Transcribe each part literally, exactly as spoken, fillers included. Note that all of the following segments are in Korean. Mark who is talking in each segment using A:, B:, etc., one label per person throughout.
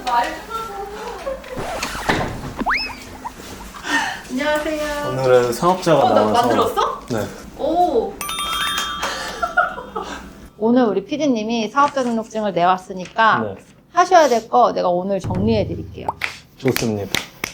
A: 말좀 하고. 안녕하세요.
B: 오늘은 사업자가
A: 어, 나
B: 나와서
A: 만들었어?
B: 네.
A: 오. 오늘 우리 피디님이 사업자 등록증을 내왔으니까
B: 네.
A: 하셔야 될 거 내가 오늘 정리해 드릴게요.
B: 좋습니다.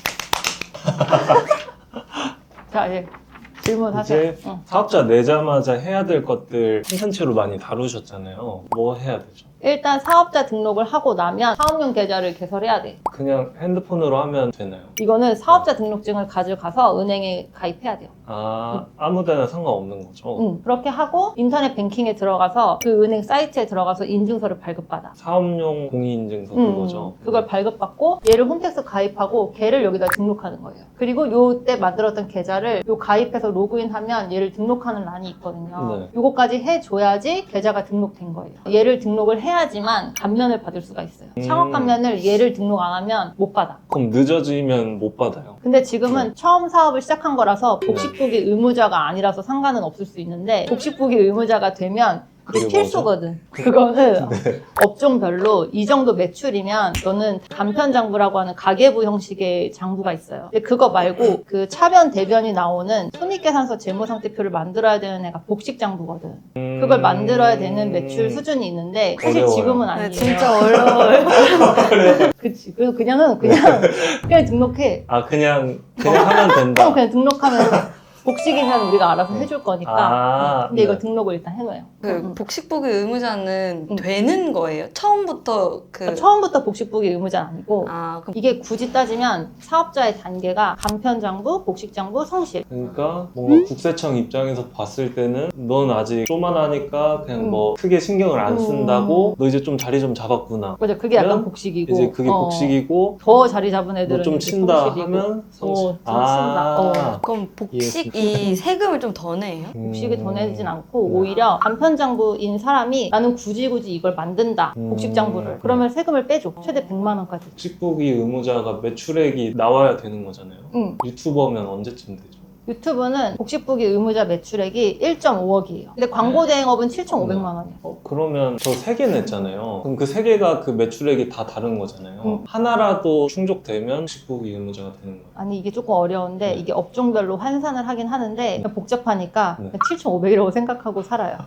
A: 자, 이제 질문하세요.
B: 이제
A: 응.
B: 사업자 내자마자 해야 될 것들 콘텐츠로 많이 다루셨잖아요. 뭐 해야 되죠?
A: 일단 사업자 등록을 하고 나면 사업용 계좌를 개설해야 돼.
B: 그냥 핸드폰으로 하면 되나요?
A: 이거는 사업자 등록증을 가져가서 은행에 가입해야 돼요.
B: 아, 아무데나 상관없는 거죠?
A: 응. 그렇게 하고 인터넷 뱅킹에 들어가서 그 은행 사이트에 들어가서 인증서를 발급받아.
B: 사업용 공인인증서
A: 음,
B: 그거죠?
A: 그걸 발급받고 얘를 홈택스 가입하고 걔를 여기다 등록하는 거예요. 그리고 요때 만들었던 계좌를 요 가입해서 로그인하면 얘를 등록하는 란이 있거든요.
B: 네.
A: 요거까지 해줘야지 계좌가 등록된 거예요. 얘를 등록을 해야지만 감면을 받을 수가 있어요.
B: 음.
A: 창업 감면을 얘를 등록 안 하면 못 받아.
B: 그럼 늦어지면 못 받아요?
A: 근데 지금은
B: 네.
A: 처음 사업을 시작한 거라서 복식부기 의무자가 아니라서 상관은 없을 수 있는데 복식부기 의무자가 되면 그게
B: 그게
A: 필수거든. 그거는
B: 네.
A: 업종별로 이 정도 매출이면 너는 간편장부라고 하는 가계부 형식의 장부가 있어요. 근데 그거 말고 그 차변 대변이 나오는 손익계산서 재무상태표를 만들어야 되는 애가 복식장부거든. 그걸 만들어야 되는 매출 수준이 있는데 사실
B: 어려워요.
A: 지금은 아니에요.
C: 네, 진짜 어려워요.
A: 그치. 그래서 그냥은 그냥 그냥 등록해.
B: 아, 그냥, 그냥 하면
A: 어,
B: 된다?
A: 그냥 등록하면 복식이면 우리가 알아서 해줄 거니까.
B: 아,
A: 근데 이거
B: 네.
A: 등록을 일단 해놔요.
C: 그
A: 응.
C: 복식부기 의무자는
A: 응.
C: 되는 거예요? 처음부터 그
A: 그러니까 처음부터 복식부기 의무자는 아니고
C: 아, 그럼
A: 이게 굳이 따지면 사업자의 단계가 간편장부, 복식장부, 성실.
B: 그러니까 뭔가
A: 음?
B: 국세청 입장에서 봤을 때는 넌 아직 쪼만하니까 그냥
A: 음.
B: 뭐 크게 신경을 안
A: 음.
B: 쓴다고 너 이제 좀 자리 좀 잡았구나.
A: 맞아, 그게 약간
B: 그러면
A: 복식이고.
B: 이제 그게
A: 어,
B: 복식이고
A: 더 자리 잡은 애들은
B: 너 좀
A: 이제
B: 친다
A: 성실이고.
B: 하면 성실.
A: 어, 좀 친다. 어.
C: 그럼 복식이 세금을 좀 더 내요?
A: 복식이 더 내진 않고
B: 음.
A: 오히려 간편장부인 사람이 나는 굳이 굳이 이걸 만든다.
B: 음.
A: 복식장부를. 그러면 세금을 빼줘. 최대 백만 원까지.
B: 복식부기 의무자가 매출액이 나와야 되는 거잖아요.
A: 응.
B: 유튜버면 언제쯤 되죠?
A: 유튜브는 복식부기 의무자 매출액이 일 점 오억이에요. 근데 광고 대행업은 칠천오백만 원이에요.
B: 어, 그러면 저 세 개 냈잖아요. 그럼 그 세 개가 그 매출액이 다 다른 거잖아요.
A: 음.
B: 하나라도 충족되면 복식부기 의무자가 되는 거예요.
A: 아니 이게 조금 어려운데
B: 네.
A: 이게 업종별로 환산을 하긴 하는데 복잡하니까
B: 네.
A: 칠천오백이라고 생각하고 살아요.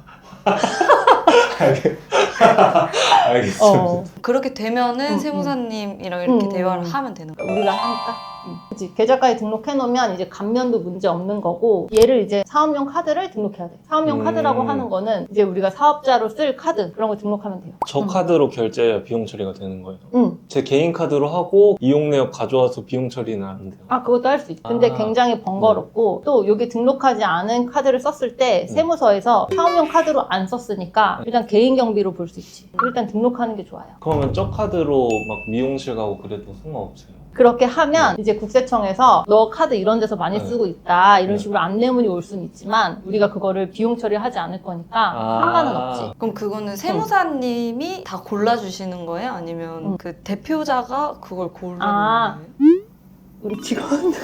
B: 알겠습니다.
A: 어,
C: 그렇게 되면은
A: 음,
C: 세무사님이랑 이렇게
A: 음.
C: 대화를 하면 되는 거예요?
A: 우리가 하니까. 응. 그치. 계좌까지 등록해 놓으면 이제 감면도 문제 없는 거고 얘를 이제 사업용 카드를 등록해야 돼. 사업용
B: 음.
A: 카드라고 하는 거는 이제 우리가 사업자로 쓸 카드 그런 거 등록하면 돼요.
B: 저
A: 응.
B: 카드로 결제해야 비용 처리가 되는 거예요.
A: 응.
B: 제 개인 카드로 하고 이용 내역 가져와서 비용 처리는 안 돼요.
A: 아 그것도 할 수 있어. 근데
B: 아.
A: 굉장히 번거롭고 또 여기 등록하지 않은 카드를 썼을 때 세무서에서 사업용 카드로 안 썼으니까 일단 개인 경비로 볼 수 있지. 일단 등록하는 게 좋아요.
B: 그러면 저 카드로 막 미용실 가고 그래도 상관없어요.
A: 그렇게 하면 이제 국세청에서 너 카드 이런 데서 많이
B: 네.
A: 쓰고 있다 이런
B: 네.
A: 식으로 안내문이 올 수는 있지만 우리가 그거를 비용 처리하지 않을 거니까
B: 아.
A: 상관은 없지.
C: 그럼 그거는 세무사님이 다 골라주시는 거예요? 아니면
A: 응.
C: 그 대표자가 그걸 고르는
A: 아.
C: 거예요?
A: 우리 직원들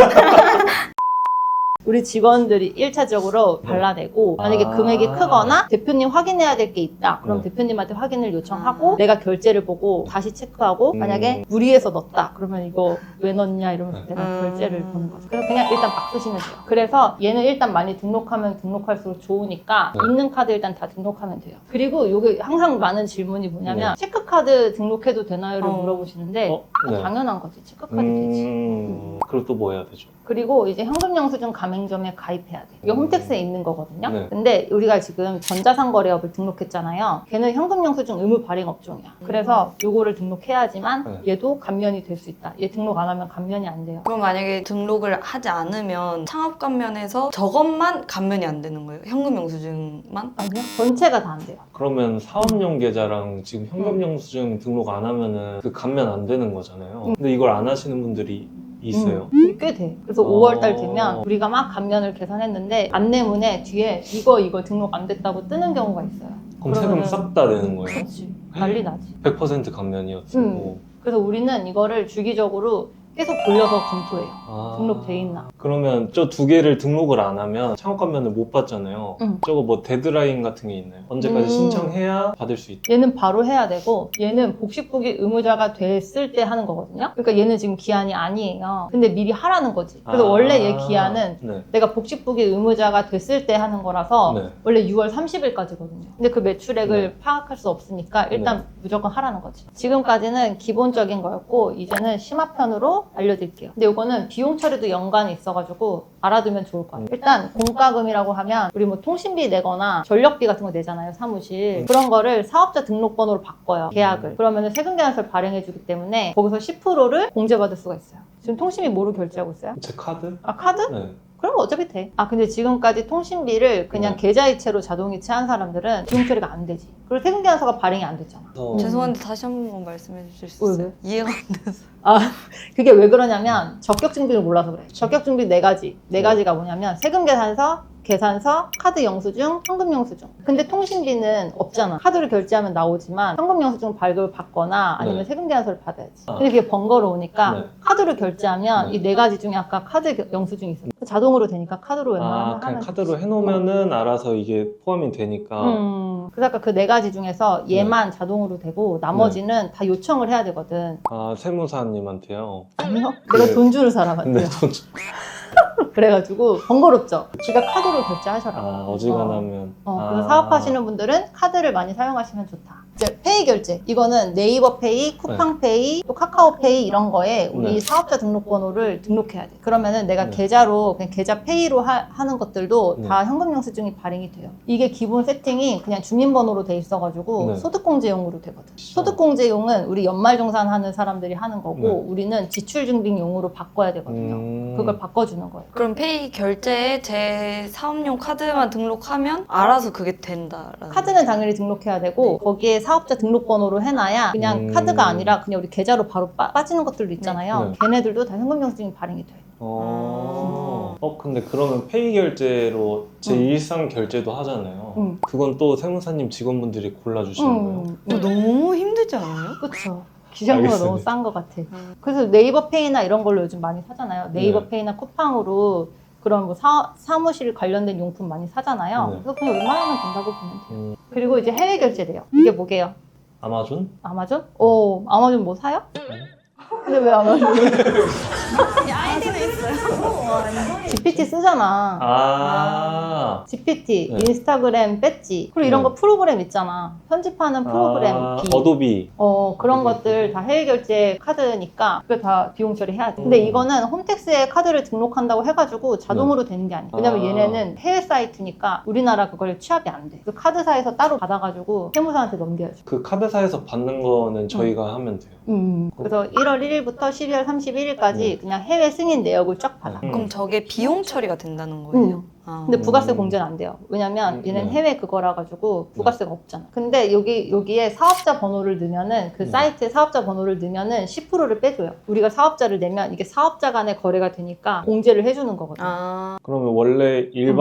A: 우리 직원들이 일차적으로 발라내고 만약에
B: 아.
A: 금액이 크거나 대표님 확인해야 될 게 있다 그럼
B: 네.
A: 대표님한테 확인을 요청하고
C: 아.
A: 내가 결제를 보고 다시 체크하고
B: 음.
A: 만약에 무리해서 넣었다 그러면 이거 왜 넣었냐 이러면서
B: 네.
A: 내가
C: 음.
A: 결제를 보는 거죠. 그래서 그냥 일단 막 쓰시면 돼요. 그래서 얘는 일단 많이 등록하면 등록할수록 좋으니까
B: 네.
A: 있는 카드 일단 다 등록하면 돼요. 그리고 요게 항상 많은 질문이 뭐냐면 체크카드 등록해도 되나요를
C: 어.
A: 물어보시는데
B: 어? 네.
A: 당연한 거지. 체크카드 되지.
B: 음, 그리고 또 뭐 해야 되죠?
A: 그리고 이제 현금영수증 가맹점에 가입해야 돼. 이게 홈택스에 있는 거거든요.
B: 네.
A: 근데 우리가 지금 전자상거래업을 등록했잖아요. 걔는 현금영수증 의무 발행 업종이야. 그래서 요거를 등록해야지만
B: 네.
A: 얘도 감면이 될 수 있다. 얘 등록 안 하면 감면이 안 돼요.
C: 그럼 만약에 등록을 하지 않으면 창업감면에서 저것만 감면이 안 되는 거예요? 현금영수증만?
A: 아니요? 전체가 다 안 돼요.
B: 그러면 사업용 계좌랑 지금 현금영수증 등록 안 하면은 그 감면 안 되는 거잖아요. 근데 이걸 안 하시는 분들이 있어요.
A: 음, 이게 꽤 돼. 그래서
B: 어.
A: 오월달 되면 우리가 막 감면을 계산했는데 안내문에 뒤에 이거 이거 등록 안 됐다고 뜨는 경우가 있어요.
B: 그럼 세금
A: 그러면은-
B: 싹 다 내는 거예요?
A: 그렇지. 난리 나지.
B: 백 퍼센트 감면이었고.
A: 음. 그래서 우리는 이거를 주기적으로 계속 돌려서 검토해요.
B: 아.
A: 등록돼 있나.
B: 그러면 저 두 개를 등록을 안 하면 창업 감면을 못 받잖아요.
A: 응.
B: 저거 뭐 데드라인 같은 게 있나요? 언제까지
A: 음.
B: 신청해야 받을 수 있다?
A: 얘는 바로 해야 되고 얘는 복식부기 의무자가 됐을 때 하는 거거든요. 그러니까 얘는 지금 기한이 아니에요. 근데 미리 하라는 거지. 그래서
B: 아.
A: 원래 얘 기한은
B: 네.
A: 내가 복식부기 의무자가 됐을 때 하는 거라서
B: 네.
A: 원래 유월 삼십일까지거든요. 근데 그 매출액을
B: 네.
A: 파악할 수 없으니까 일단 무조건 하라는 거지. 지금까지는 기본적인 거였고 이제는 심화편으로 알려드릴게요. 근데 이거는 비용 처리도 연관이 있어가지고 알아두면 좋을 것 같아요. 일단 공과금이라고 하면 우리 뭐 통신비 내거나 전력비 같은 거 내잖아요, 사무실.
B: 음.
A: 그런 거를 사업자 등록번호로 바꿔요, 계약을.
B: 음.
A: 그러면 세금계산서를 발행해주기 때문에 거기서 십 퍼센트를 공제받을 수가 있어요. 지금 통신비 뭐로 결제하고 있어요?
B: 제 카드?
A: 아, 카드?
B: 네.
A: 그럼 어차피 돼. 아, 근데 지금까지 통신비를 그냥
B: 네.
A: 계좌이체로 자동이체 한 사람들은 비용 처리가 안 되지. 그리고 세금계산서가 발행이 안 됐잖아.
B: 그래서
C: 죄송한데 다시 한 번만 말씀해 주실 수
A: 왜,
C: 있어요? 이해가 안 돼서.
A: 아, 그게 왜 그러냐면 적격증비를 몰라서 그래. 적격증비 네 가지. 네
B: 네.
A: 가지가 뭐냐면 세금계산서, 계산서, 카드 영수증, 현금 영수증. 근데 통신비는 없잖아. 카드로 결제하면 나오지만 현금 영수증 발급을 받거나 아니면
B: 네.
A: 세금계산서를 받아야지.
B: 아.
A: 근데 그게 번거로우니까
B: 네.
A: 카드로 결제하면
B: 네.
A: 이 네 가지 중에 아까 카드 영수증이 있어요. 자동으로 되니까 카드로 웬만하면
B: 아,
A: 하면
B: 그냥
A: 되지.
B: 카드로 해놓으면은 알아서 이게 포함이 되니까.
A: 음, 그래서 아까 그 네 가지 중에서 얘만 자동으로 되고 나머지는 다 요청을 해야 되거든.
B: 아, 세무사님한테요.
A: 아니요? 내가
B: 네.
A: 돈 주는 사람한테요.
B: 근데 돈
A: 그래가지고 번거롭죠. 지가 카드로 결제하셔라.
B: 아, 어지간하면.
A: 어,
B: 아.
A: 그래서 사업하시는 분들은 카드를 많이 사용하시면 좋다. 이제 페이 결제. 이거는 네이버 페이, 쿠팡 페이, 또 카카오 페이 이런 거에 우리
B: 네.
A: 사업자 등록번호를 등록해야 돼. 그러면은 내가
B: 네.
A: 계좌로 그냥 계좌 페이로 하, 는 것들도
B: 네.
A: 다 현금 영수증이 발행이 돼요. 이게 기본 세팅이 그냥 주민번호로 돼 있어가지고
B: 네.
A: 소득공제용으로 되거든. 소득공제용은 우리 연말정산하는 사람들이 하는 거고
B: 네.
A: 우리는 지출증빙용으로 바꿔야 되거든요.
B: 음.
A: 그걸 바꿔주는 거예요.
C: 그럼 페이 결제에 제 사업용 카드만 등록하면 알아서 그게 된다라는.
A: 카드는 당연히 등록해야 되고 거기에 사업자 등록번호로 해놔야 그냥
B: 음.
A: 카드가 아니라 그냥 우리 계좌로 바로 빠, 빠지는 것들도 있잖아요.
B: 네.
A: 걔네들도 다 현금 영수증이 발행이 돼요.
B: 어. 어, 근데 그러면 페이 결제로 제
A: 응.
B: 일상 결제도 하잖아요.
A: 응.
B: 그건 또 세무사님 직원분들이 골라주시는 거예요?
A: 음,
C: 이거 너무 힘들지 않아요?
A: 그쵸. 기장료가
B: 알겠습니다.
A: 너무 싼 것 같아.
C: 음.
A: 그래서 네이버 페이나 이런 걸로 요즘 많이 사잖아요. 네이버
B: 네.
A: 페이나 쿠팡으로 그런 뭐 사, 사무실 관련된 용품 많이 사잖아요.
B: 네.
A: 그래서 그냥 웬만하면 된다고 보면 돼요.
B: 음,
A: 그리고 이제 해외 결제돼요. 이게 뭐게요?
B: 아마존?
A: 아마존? 오, 아마존 뭐 사요?
B: 네.
A: 근데 왜 아마존?
C: 아이디는 있어요.
A: 지피티 쓰잖아.
B: 아.
A: 지피티,
B: 네.
A: 인스타그램 배지, 그리고 이런
B: 네.
A: 거 프로그램 있잖아. 편집하는 프로그램
B: 아,
A: 비.
B: 어도비.
A: 어, 그런
B: 네.
A: 것들 다 해외 결제 카드니까 그게 다 비용 처리해야 돼. 근데
B: 음.
A: 이거는 홈택스에 카드를 등록한다고 해가지고 자동으로 되는 게 아니야. 왜냐면
B: 아.
A: 얘네는 해외 사이트니까 우리나라 그걸 취합이 안 돼. 그 카드사에서 따로 받아가지고 세무사한테 넘겨야죠.
B: 그 카드사에서 받는 거는 저희가 하면 돼요.
A: 음. 그래서 일월 일일부터 십이월 삼십일일까지
B: 네.
A: 그냥 해외 승인 내역을 쫙 받아.
B: 음.
C: 그럼 저게 비용 처리가 된다는 거예요?
A: 음.
C: 아.
A: 근데 부가세
B: 음.
A: 공제는 안 돼요. 왜냐면
B: 음,
A: 얘는
B: 네.
A: 해외 그거라 가지고 부가세가 없잖아. 근데 여기 여기에 사업자 번호를 넣으면은 그
B: 네.
A: 사이트에 사업자 번호를 넣으면은 십 퍼센트를 빼줘요. 우리가 사업자를 내면 이게 사업자 간의 거래가 되니까 공제를 해주는 거거든.
C: 아.
B: 그러면 원래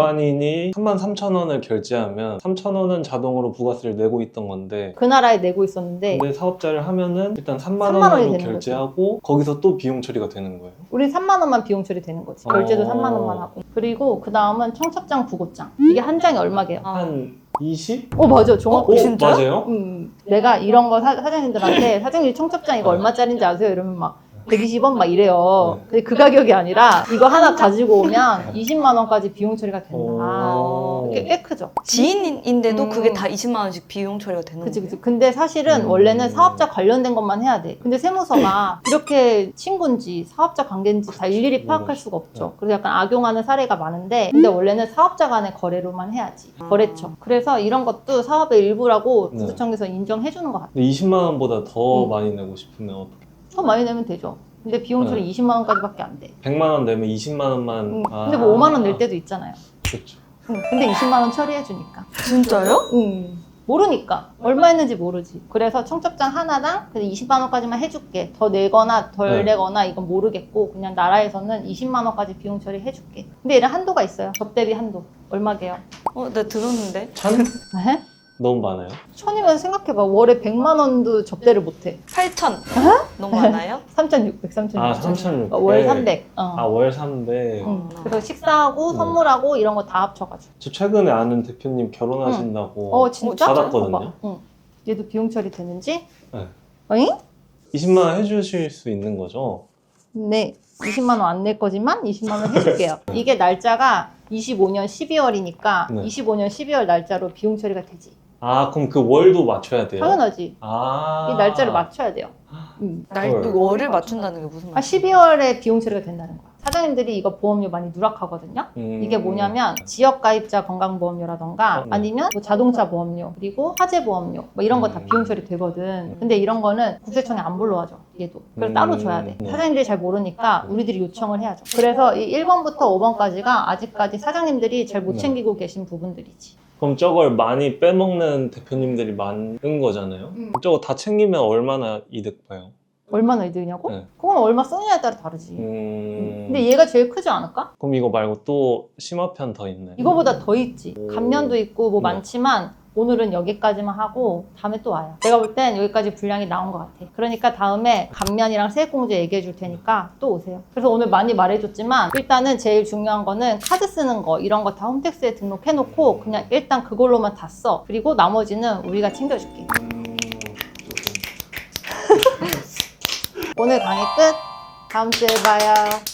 B: 일반인이 삼만 삼천 원을 결제하면 삼천 원은 자동으로 부가세를 내고 있던 건데
A: 그 나라에 내고 있었는데
B: 근데 사업자를 하면은 일단 삼만
A: 삼만 원이
B: 원으로
A: 되는
B: 결제하고 거기서 또 비용 처리가 되는 거예요.
A: 우린 삼만 원만 비용 처리 되는 거지. 결제도
B: 어.
A: 삼만 원만 하고. 그리고 그 다음은 청첩장, 부고장. 이게 한 장이 얼마게요?
C: 아.
B: 한 이십?
A: 어 맞아, 정확히.
B: 어,
C: 진짜요?
B: 맞아요?
A: 음, 내가 이런 거 사, 사장님들한테 사장님 청첩장 이거
B: 네.
A: 얼마짜린지 아세요? 이러면 막 백이십 원 막 이래요.
B: 네.
A: 근데 그 가격이 아니라 이거 하나 가지고 오면 이십만 원까지 비용 처리가 된다.
B: 오.
A: 꽤, 꽤 크죠.
C: 지인인데도
A: 음.
C: 그게 다 이십만 원씩 비용 처리가 되는
A: 그치,
C: 거예요?
A: 그치. 근데 사실은
B: 음.
A: 원래는 사업자 관련된 것만 해야 돼. 근데 세무서가 이렇게 친구인지 사업자 관계인지 다 일일이 파악할 수가 없죠. 그래서 약간 악용하는 사례가 많은데, 근데 원래는 사업자 간의 거래로만 해야지.
C: 아.
A: 거래처. 그래서 이런 것도 사업의 일부라고
B: 네.
A: 구조청에서 인정해주는 것 같아요.
B: 근데 이십만 원보다 더
A: 음.
B: 많이 내고 싶으면 어떻게?
A: 더 많이 내면 되죠. 근데 비용 처리
B: 네.
A: 이십만 원까지밖에 안 돼.
B: 백만 원 내면 이십만 원만.
A: 음,
B: 아.
A: 근데 뭐 오만 원 낼 때도 있잖아요.
B: 그렇죠.
A: 음, 근데 이십만 원 처리해주니까.
C: 진짜요?
A: 음. 모르니까. 얼마 있는지 모르지. 그래서 청첩장 하나당 그래서 이십만 원까지만 해줄게. 더 내거나 덜
B: 네.
A: 내거나 이건 모르겠고 그냥 나라에서는 이십만 원까지 비용 처리해줄게. 근데 얘는 한도가 있어요. 접대비 한도. 얼마게요?
C: 어, 나 들었는데.
B: 천?
A: 네?
B: 너무 많아요?
A: 천이면 생각해봐. 월에 백만 원도 접대를 못해.
C: 팔천. 너무 많아요?
A: 삼천육백, 삼천육백.
B: 아, 삼천육백.
A: 월 삼백. 어.
B: 아, 월 삼백.
A: 응. 그래서 식사하고
B: 음.
A: 선물하고 이런 거 다 합쳐가지고.
B: 저 최근에 아는 대표님 결혼하신다고
A: 어, 진짜?
B: 받았거든요.
A: 봐봐. 응. 얘도 비용 처리 되는지?
B: 네.
A: 어잉?
B: 이십만 원 해주실 수 있는 거죠?
A: 네. 이십만 원 안 낼 거지만 이십만 원 해줄게요. 이게 날짜가 이십오 년 십이월이니까
B: 네.
A: 이십오 년 십이월 날짜로 비용 처리가 되지.
B: 아, 그럼 그 월도 맞춰야 돼요?
A: 당연하지.
B: 아.
A: 이 날짜를 맞춰야 돼요. 음.
C: 날,
B: 헐.
C: 월을 맞춘다는 게 무슨
A: 아,
C: 말이야?
A: 십이월에 비용 처리가 된다는 거야. 사장님들이 이거 보험료 많이 누락하거든요.
B: 음.
A: 이게 뭐냐면 지역가입자 건강보험료라던가
B: 어, 네.
A: 아니면 뭐 자동차 보험료 그리고 화재보험료 뭐 이런 거 다
B: 음.
A: 비용 처리 되거든. 근데 이런 거는 국세청에 안 불러와줘. 얘도. 그래서
B: 음.
A: 따로 줘야 돼.
B: 네.
A: 사장님들이 잘 모르니까 우리들이 요청을 해야죠. 그래서 이 일 번부터 오 번까지가 아직까지 사장님들이 잘 못
B: 네.
A: 챙기고 계신 부분들이지.
B: 그럼 저걸 많이 빼먹는 대표님들이 많은 거잖아요?
A: 음.
B: 저거 다 챙기면 얼마나 이득 봐요?
A: 얼마나 이득이냐고?
B: 네.
A: 그건 얼마 쓰느냐에 따라 다르지.
B: 음...
A: 근데 얘가 제일 크지 않을까?
B: 그럼 이거 말고 또 심화편 더 있네.
A: 이거보다 더 있지.
B: 오.
A: 감면도 있고 뭐
B: 네.
A: 많지만 오늘은 여기까지만 하고 다음에 또 와요. 내가 볼 땐 여기까지 분량이 나온 것 같아. 그러니까 다음에 감면이랑 세액공제 얘기해 줄 테니까 또 오세요. 그래서 오늘 많이 말해줬지만 일단은 제일 중요한 거는 카드 쓰는 거 이런 거 다 홈택스에 등록해놓고 그냥 일단 그걸로만 다 써. 그리고 나머지는 우리가 챙겨줄게.
B: 음...
A: 오늘 강의 끝. 다음 주에 봐요.